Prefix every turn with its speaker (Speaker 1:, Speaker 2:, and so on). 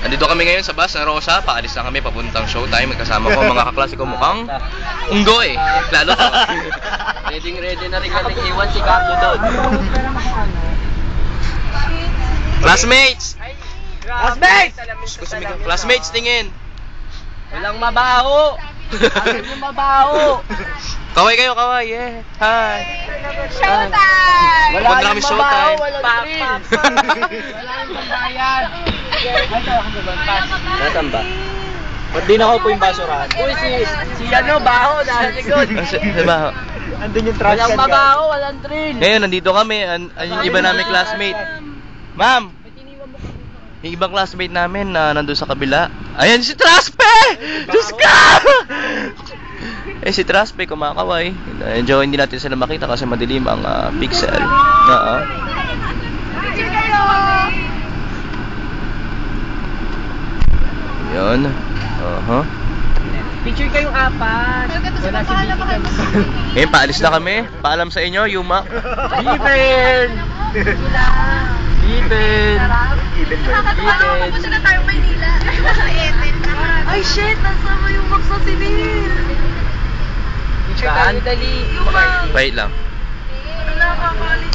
Speaker 1: Andito kami ngayon sa bus ng Rosa. Paalis na kami papuntang showtime. Magkasama ko mga kaklase ko mukhang unggoy. Lalo to.
Speaker 2: Ready na rin natin iwan si Carlo doon.
Speaker 1: Classmates!
Speaker 2: Classmates!
Speaker 1: Classmates, tingin!
Speaker 2: Walang mabaho! Alam yung mabaho!
Speaker 1: Kaway kayo, kaway. Yeah. Hi.
Speaker 3: Showtime!
Speaker 2: Wala
Speaker 1: Punta kami
Speaker 2: yung
Speaker 1: showtime.
Speaker 2: mabaho, walang thrill! Wala yung pambayan! Nasaan ba? Ba't di na ako po yung basurahan? Uy, si ano, baho, nasa likod!
Speaker 1: Diba?
Speaker 2: Andun yung trash can. Walang mabaho, walang thrill!
Speaker 1: Ngayon, nandito kami. Yung iba namin classmate. Ma'am! Yung ibang classmate namin na nandun sa kabila. Ayan si Traspe! Diyos ka! Eh si Traspe kumakaway. Medyo hindi natin sila makita kasi madilim ang pixel. Oo.
Speaker 3: Picture kayo!
Speaker 1: Yun.
Speaker 2: Picture kayong apat. Wala si Vicky.
Speaker 1: Ngayon, paalis na kami. Paalam sa inyo, Yuma.
Speaker 2: Even! Even!
Speaker 3: Nakakatawa ko pupunta na tayong Maynila. Ay shit! Nasama yung box ng Tinil!
Speaker 2: Picture tayo, dali.
Speaker 1: Wait lang.
Speaker 3: Nakakakalit.